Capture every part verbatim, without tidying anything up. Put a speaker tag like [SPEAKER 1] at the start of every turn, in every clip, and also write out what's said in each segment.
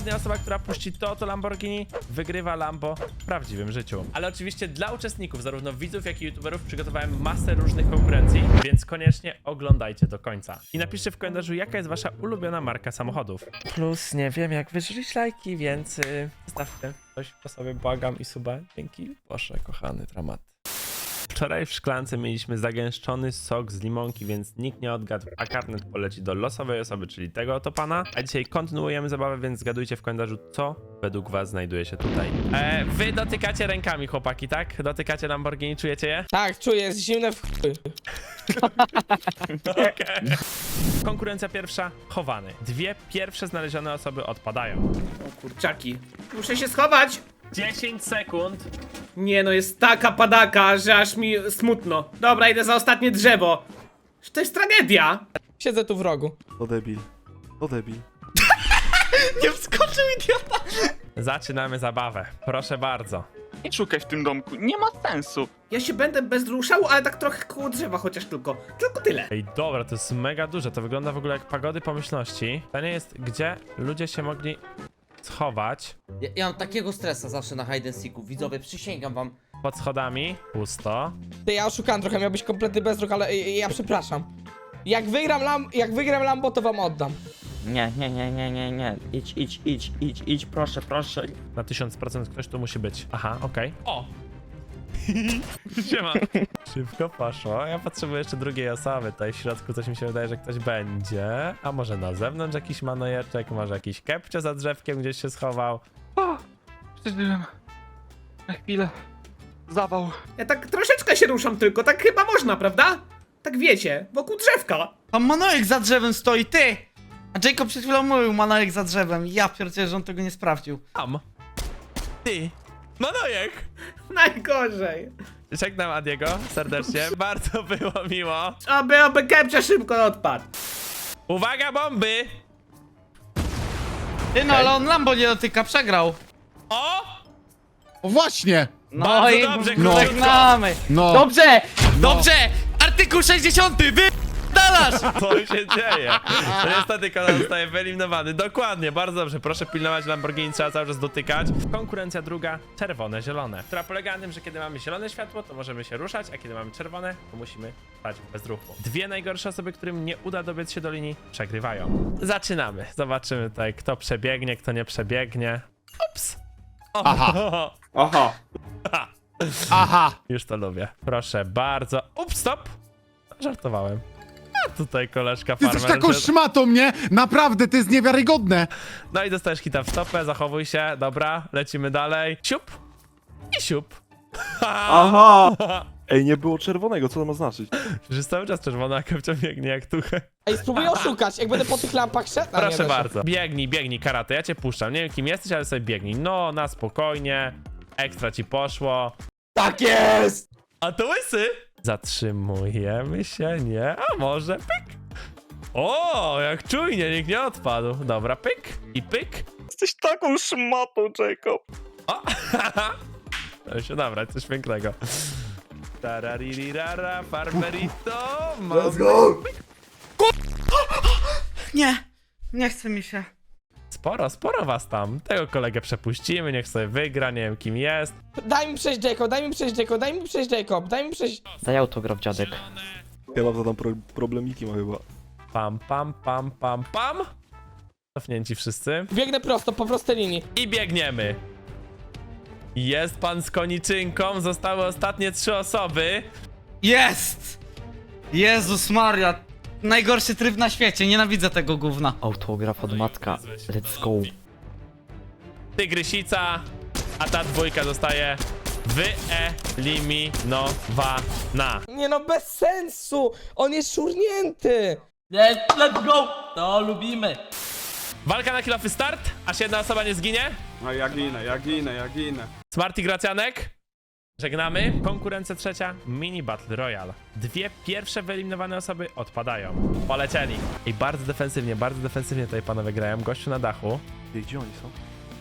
[SPEAKER 1] ostatnia osoba, która puści to, to Lamborghini, wygrywa Lambo w prawdziwym życiu. Ale oczywiście dla uczestników, zarówno widzów, jak i youtuberów, przygotowałem masę różnych konkurencji, więc koniecznie oglądajcie do końca. I napiszcie w komentarzu, jaka jest wasza ulubiona marka samochodów. Plus, nie wiem, jak wyżyć lajki, więc yy, zostawcie coś po sobie, błagam, i suba. Dzięki. Proszę, kochany dramat. Wczoraj w szklance mieliśmy zagęszczony sok z limonki, więc nikt nie odgadł, a karnet poleci do losowej osoby, czyli tego oto pana. A dzisiaj kontynuujemy zabawę, więc zgadujcie w komentarzu, co według was znajduje się tutaj. E, wy dotykacie rękami, chłopaki, tak? Dotykacie Lamborghini, czujecie je?
[SPEAKER 2] Tak, czuję, jest zimne w chuj.
[SPEAKER 1] Okay. Konkurencja pierwsza, chowany. Dwie pierwsze znalezione osoby odpadają.
[SPEAKER 3] O kurczaki. Muszę się schować!
[SPEAKER 1] dziesięć sekund.
[SPEAKER 3] Nie no, jest taka padaka, że aż mi smutno. Dobra, idę za ostatnie drzewo. To jest tragedia.
[SPEAKER 2] Siedzę tu w rogu.
[SPEAKER 4] To debil. To debil.
[SPEAKER 5] Nie wskoczył, idiota!
[SPEAKER 1] Zaczynamy zabawę. Proszę bardzo.
[SPEAKER 5] Nie szukaj w tym domku, nie ma sensu.
[SPEAKER 3] Ja się będę bezruszał, ale tak trochę koło drzewa chociaż tylko. Tylko tyle.
[SPEAKER 1] Ej, dobra, to jest mega duże. To wygląda w ogóle jak pagody pomyślności. Pytanie jest, gdzie ludzie się mogli schować.
[SPEAKER 6] Ja, ja mam takiego stresa zawsze na hide and seeku, widzowie, przysięgam wam.
[SPEAKER 1] Pod schodami. Pusto.
[SPEAKER 2] Ty, ja oszukałem trochę, miał być kompletny bezruch, ale y, ja przepraszam. Jak wygram, lam jak wygram Lambo, to wam oddam.
[SPEAKER 7] Nie, nie, nie, nie, nie, nie. Idź, idź, idź, idź, idź, proszę, proszę.
[SPEAKER 1] Na tysiąc procent ktoś tu musi być. Aha, okej. Okay. O! Siema. Szybko poszło. Ja potrzebuję jeszcze drugiej osoby. Tutaj w środku coś mi się wydaje, że ktoś będzie. A może na zewnątrz jakiś manojeczek, może jakiś kepcio za drzewkiem gdzieś się schował.
[SPEAKER 5] O, przeżyłem. Na chwilę. Zawał.
[SPEAKER 3] Ja tak troszeczkę się ruszam tylko, tak chyba można, prawda? Tak wiecie, wokół drzewka.
[SPEAKER 8] Tam Manojek za drzewem stoi, ty! A Jacob przed chwilą mówił Manojek za drzewem. Ja pierdzielę, że on tego nie sprawdził.
[SPEAKER 1] Tam. Ty. Manojek!
[SPEAKER 3] Najgorzej.
[SPEAKER 1] Żegnam Adiego serdecznie. Bardzo było miło.
[SPEAKER 3] Aby, aby kepcia szybko odpadł.
[SPEAKER 1] Uwaga, bomby!
[SPEAKER 8] Ty no, ale on Lambo nie dotyka, przegrał.
[SPEAKER 1] O!
[SPEAKER 4] O właśnie!
[SPEAKER 8] No
[SPEAKER 1] Bardzo
[SPEAKER 8] i
[SPEAKER 1] dobrze,
[SPEAKER 8] no. żegnamy.
[SPEAKER 4] No.
[SPEAKER 8] Dobrze, dobrze! Artykuł sześćdziesiąty, wy... dalasz!
[SPEAKER 1] Co się dzieje? To niestety kanał zostaje wyeliminowany. Dokładnie, bardzo dobrze. Proszę pilnować Lamborghini, trzeba cały czas dotykać. Konkurencja druga, czerwone, zielone. Która polega na tym, że kiedy mamy zielone światło, to możemy się ruszać, a kiedy mamy czerwone, to musimy stać bez ruchu. Dwie najgorsze osoby, którym nie uda dobiec się do linii, przegrywają. Zaczynamy. Zobaczymy tutaj, kto przebiegnie, kto nie przebiegnie. Ups! O,
[SPEAKER 4] Aha.
[SPEAKER 3] Oho.
[SPEAKER 4] Aha!
[SPEAKER 1] Już to lubię. Proszę bardzo. Ups, stop! Żartowałem. A tutaj koleżka
[SPEAKER 4] Ty
[SPEAKER 1] farmer.
[SPEAKER 4] jesteś taką
[SPEAKER 1] że-
[SPEAKER 4] szmatą, nie? Naprawdę, to jest niewiarygodne!
[SPEAKER 1] No i dostajesz hita w stopę, zachowuj się, dobra, lecimy dalej. Siup i siup.
[SPEAKER 9] Aha! Ej, nie było czerwonego, co to ma znaczyć?
[SPEAKER 1] Przecież jest cały czas czerwona, a Kepcio biegnie jak tuchę.
[SPEAKER 2] Ej, spróbuję oszukać, jak będę po tych lampach szedł. A, nie
[SPEAKER 1] Proszę
[SPEAKER 2] da się.
[SPEAKER 1] bardzo. Biegnij, biegnij, karate, ja cię puszczam. Nie wiem kim jesteś, ale sobie biegnij. No, na spokojnie. Ekstra ci poszło.
[SPEAKER 6] Tak jest!
[SPEAKER 1] A to łysy! Zatrzymujemy się, nie? A może pyk? O, jak czujnie, nikt nie odpadł. Dobra, pyk i pyk.
[SPEAKER 5] Jesteś taką szmatą, Jacob.
[SPEAKER 1] O! To się nabrać, coś pięknego. Tararirara, farmerito. Let's go!
[SPEAKER 8] Nie, nie chce mi się.
[SPEAKER 1] Sporo, sporo was tam. Tego kolegę przepuścimy, niech sobie wygra, nie wiem kim jest.
[SPEAKER 2] Daj mi przejść, Jacob, daj mi przejść, Jacob, daj mi przejść, Jacob, daj mi przejść.
[SPEAKER 7] Daj autograf, dziadek.
[SPEAKER 9] Ja mam za tam pro problemiki ma chyba.
[SPEAKER 1] Pam, pam, pam, pam, pam. Cofnięci wszyscy.
[SPEAKER 2] Biegnę prosto, po prostej linii.
[SPEAKER 1] I biegniemy. Jest pan z koniczynką, zostały ostatnie trzy osoby.
[SPEAKER 8] Jest! Jezus Maria. Najgorszy tryb na świecie, nienawidzę tego gówna.
[SPEAKER 7] Autograf od matka. Let's go.
[SPEAKER 1] Tygrysica, a ta dwójka zostaje wyeliminowana.
[SPEAKER 2] Nie no, bez sensu! On jest szurnięty!
[SPEAKER 6] Let's go! To lubimy.
[SPEAKER 1] Walka na kilofy start, aż jedna osoba nie zginie.
[SPEAKER 9] No ja ginę, ja ginę, ja ginę.
[SPEAKER 1] Smarty Gracjanek. Żegnamy. Konkurencja trzecia, Mini Battle Royale. Dwie pierwsze wyeliminowane osoby odpadają. Polecieli. I bardzo defensywnie, bardzo defensywnie tutaj panowie grają. Gościu na dachu.
[SPEAKER 9] Ej, gdzie oni są?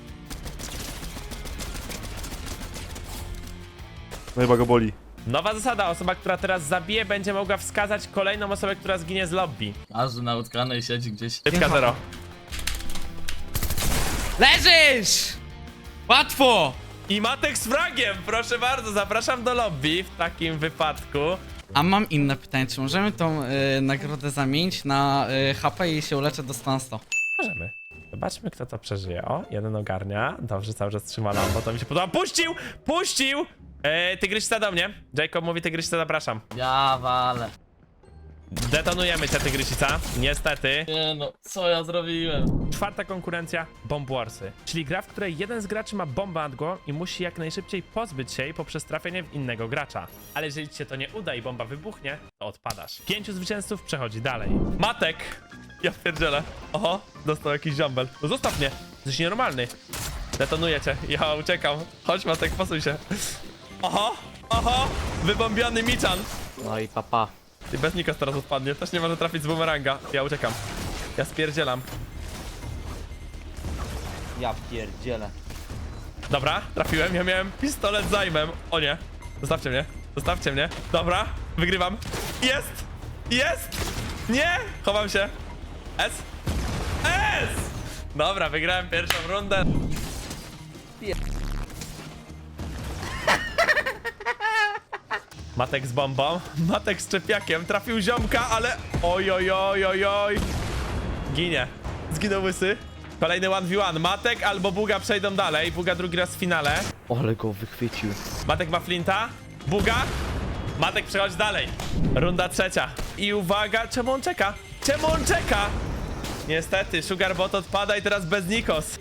[SPEAKER 9] No chyba go boli.
[SPEAKER 1] Nowa zasada, osoba, która teraz zabije, będzie mogła wskazać kolejną osobę, która zginie z lobby.
[SPEAKER 6] Każdy na utkanej siedzi gdzieś.
[SPEAKER 1] Szybka zero.
[SPEAKER 8] Leżysz! Łatwo!
[SPEAKER 1] I Matek z fragiem, proszę bardzo, zapraszam do lobby w takim wypadku.
[SPEAKER 8] A mam inne pytanie, czy możemy tą y, nagrodę zamienić na y, H P i się uleczę do sto sto?
[SPEAKER 1] Możemy. Zobaczmy, kto to przeżyje. O, jeden ogarnia. Dobrze, cały czas trzyma Lambo, to mi się podoba. Puścił! Puścił! Eee, tygryśca do mnie. Jacob mówi, tygryśca, zapraszam.
[SPEAKER 7] Ja walę.
[SPEAKER 1] Detonujemy cię, tygrysica. Niestety.
[SPEAKER 7] Nie no, co ja zrobiłem?
[SPEAKER 1] Czwarta konkurencja, Bomb Warsy, czyli gra, w której jeden z graczy ma bombę nad głową i musi jak najszybciej pozbyć się jej poprzez trafienie w innego gracza. Ale jeżeli ci się to nie uda i bomba wybuchnie, to odpadasz. Pięciu zwycięzców przechodzi dalej. Matek! Ja pierdzielę. Oho, dostał jakiś ziąbel. No zostaw mnie, jesteś nienormalny. Detonuję cię, ja uciekam. Chodź Matek, posuń się. Oho, oho, wybombiony Michan.
[SPEAKER 7] No i papa.
[SPEAKER 1] I bez Nikos teraz odpadnie, też nie może trafić z bumeranga. Ja uciekam. Ja spierdzielam.
[SPEAKER 6] Ja pierdzielę.
[SPEAKER 1] Dobra, trafiłem, ja miałem pistolet z zajmem. O nie, zostawcie mnie, zostawcie mnie. Dobra, wygrywam. Jest! Jest! Nie! Chowam się. S! S! Dobra, wygrałem pierwszą rundę. Matek z bombą, Matek z czepiakiem, trafił ziomka, ale... Oj, oj, oj, oj, oj. Ginie. Zginął łysy. Kolejny jeden w jeden. Matek albo Buga przejdą dalej. Buga drugi raz w finale.
[SPEAKER 7] Ole go wychwycił.
[SPEAKER 1] Matek ma flinta. Buga. Matek przechodzi dalej. Runda trzecia. I uwaga, czemu on czeka? Czemu on czeka? Niestety, Sugarbot odpada i teraz bez Nikos.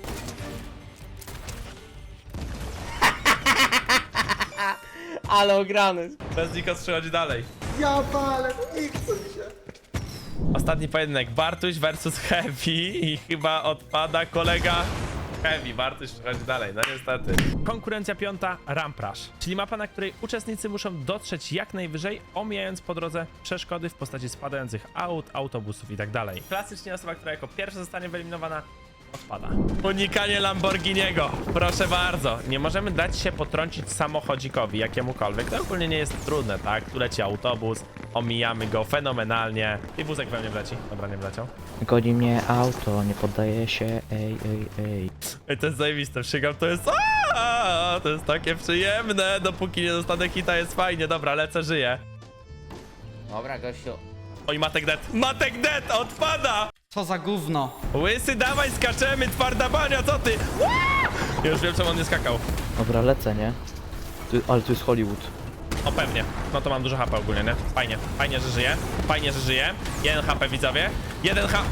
[SPEAKER 6] Ale ograny.
[SPEAKER 1] Bez Nikos przechodzi dalej. Ja palę, nie chcę mi się. Ostatni pojedynek. Bartuś versus Heavy i chyba odpada kolega Heavy. Bartuś przechodzi dalej, no niestety. Konkurencja piąta, Ramp Rush, czyli mapa, na której uczestnicy muszą dotrzeć jak najwyżej, omijając po drodze przeszkody w postaci spadających aut, autobusów i tak dalej. Klasycznie osoba, która jako pierwsza zostanie wyeliminowana, odpada. Unikanie Lamborghiniego. Proszę bardzo. Nie możemy dać się potrącić samochodzikowi, jakiemukolwiek. To ogólnie nie jest trudne, tak? Tu leci autobus, omijamy go fenomenalnie. I wózek we mnie wleci. Dobra, nie wleciał.
[SPEAKER 7] Goni mnie auto, nie poddaje się, ej, ej, ej.
[SPEAKER 1] Ej, to jest zajebiste. Przygam, to jest... Aaaa! To jest takie przyjemne. Dopóki nie dostanę hita, jest fajnie. Dobra, lecę, żyję.
[SPEAKER 6] Dobra, gościu.
[SPEAKER 1] Oj, Matek dead. Matek dead! Odpada!
[SPEAKER 8] Co za gówno.
[SPEAKER 1] Łysy, dawaj, skaczemy! Twarda bania, co ty? Aaaa! Już wiem, czemu on nie skakał.
[SPEAKER 7] Dobra, lecę, nie? Tu, ale tu jest Hollywood.
[SPEAKER 1] O, pewnie. No to mam dużo H P ogólnie, nie? Fajnie. Fajnie, że żyję. Fajnie, że żyję. Jeden H P, widzowie. Jeden H...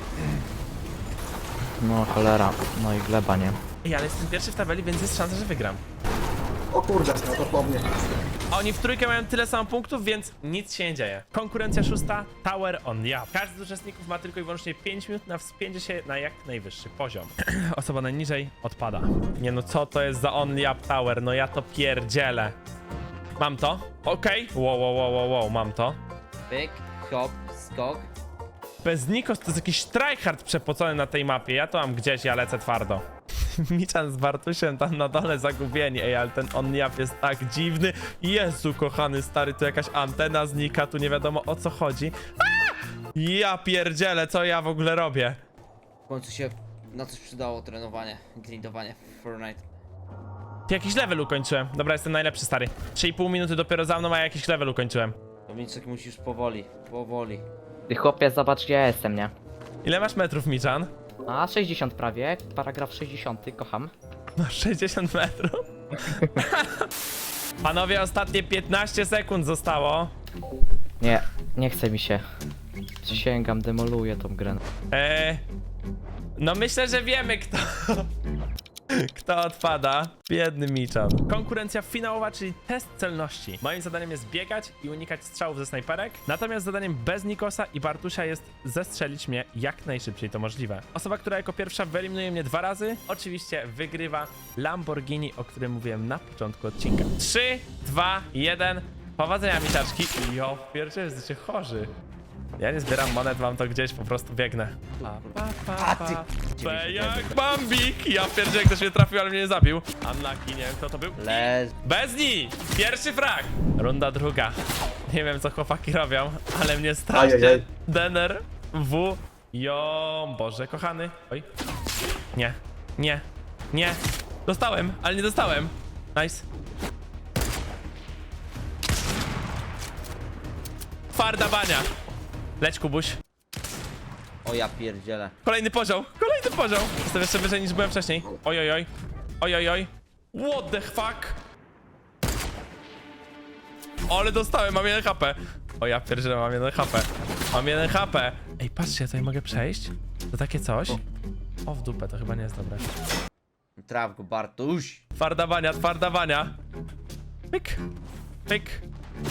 [SPEAKER 7] No cholera, no i gleba, nie?
[SPEAKER 1] Ej, ale jestem pierwszy w tabeli, więc jest szansa, że wygram. O kurde, no to po mnie. Oni w trójkę mają tyle samo punktów, więc nic się nie dzieje. Konkurencja szósta, Tower on Yap. Każdy z uczestników ma tylko i wyłącznie pięć minut na wspięcie się na jak najwyższy poziom. Osoba najniżej odpada. Nie no, co to jest za on Yap Tower? No ja to pierdzielę. Mam to. Okej. Okay. Wow, wow, wow, wow, wow, mam to.
[SPEAKER 6] Pyk, hop, skok.
[SPEAKER 1] Bez Nikos to jest jakiś tryhard przepocony na tej mapie. Ja to mam gdzieś, ja lecę twardo. Michan z Bartusiem tam na dole zagubieni. Ej, ale ten on-jap jest tak dziwny. Jezu, kochany stary, tu jakaś antena znika, tu nie wiadomo o co chodzi. Aaa! Ja pierdzielę, co ja w ogóle robię?
[SPEAKER 6] W końcu się na coś przydało trenowanie, grindowanie w Fortnite.
[SPEAKER 1] Jakiś level ukończyłem. Dobra, jestem najlepszy, stary. trzy i pół minuty dopiero za mną, a jakiś level ukończyłem.
[SPEAKER 6] Dominiczek, musisz powoli, powoli.
[SPEAKER 7] Ty chłopie, zobacz gdzie ja jestem, nie?
[SPEAKER 1] Ile masz metrów, Michan?
[SPEAKER 7] A, sześćdziesiąt prawie, paragraf sześćdziesiąty, kocham.
[SPEAKER 1] No, sześćdziesiąt metrów. Panowie, ostatnie piętnaście sekund zostało.
[SPEAKER 7] Nie, nie chce mi się. Przysięgam, demoluję tą grę.
[SPEAKER 1] Eee, no myślę, że wiemy kto kto odpada. Biedny Michan. Konkurencja finałowa, czyli test celności. Moim zadaniem jest biegać i unikać strzałów ze snajperek, natomiast zadaniem bez Nikosa i Bartusia jest zestrzelić mnie jak najszybciej to możliwe. Osoba, która jako pierwsza wyeliminuje mnie dwa razy, oczywiście wygrywa Lamborghini, o którym mówiłem na początku odcinka. trzy, dwa, jeden. Powodzenia, misiaczki. Jo, pierwsze jesteście chorzy. Ja nie zbieram monet, mam to gdzieś, po prostu biegnę. Pa, pa, pa, pa. P jak Bambik! Ja pierdzielę, jak ktoś mnie trafił, ale mnie nie zabił. Unlucky, nie wiem kto to był.
[SPEAKER 6] Leż.
[SPEAKER 1] Bezni! Pierwszy frag! Runda druga. Nie wiem co chłopaki robią, ale mnie strasznie dener w... Jo, Boże kochany. Oj. Nie. Nie. Nie. Dostałem, ale nie dostałem. Nice. Twarda bania. Leć, Kubuś.
[SPEAKER 6] O ja pierdzielę.
[SPEAKER 1] Kolejny poziom. Kolejny poziom. Jestem jeszcze wyżej niż byłem wcześniej. Oj, oj, oj. Oj, oj, oj. What the fuck? Ale dostałem, mam jeden H P. O ja pierdzielę, mam jeden H P. Mam jeden H P. Ej, patrzcie, ja tutaj mogę przejść. To takie coś. O, w dupę, to chyba nie jest dobre.
[SPEAKER 6] Traf go, Bartuś.
[SPEAKER 1] Twarda bania, twarda bania. Pyk. Pyk.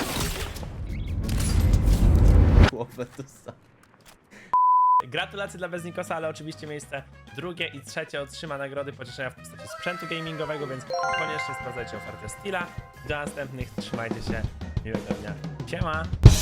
[SPEAKER 6] Głowę tu sam.
[SPEAKER 1] Gratulacje dla Beznikosa, ale oczywiście miejsce drugie i trzecie otrzyma nagrody pocieszenia w postaci sprzętu gamingowego, więc koniecznie sprawdzajcie ofertę Steela. Do następnych, trzymajcie się, miłego dnia. Siema!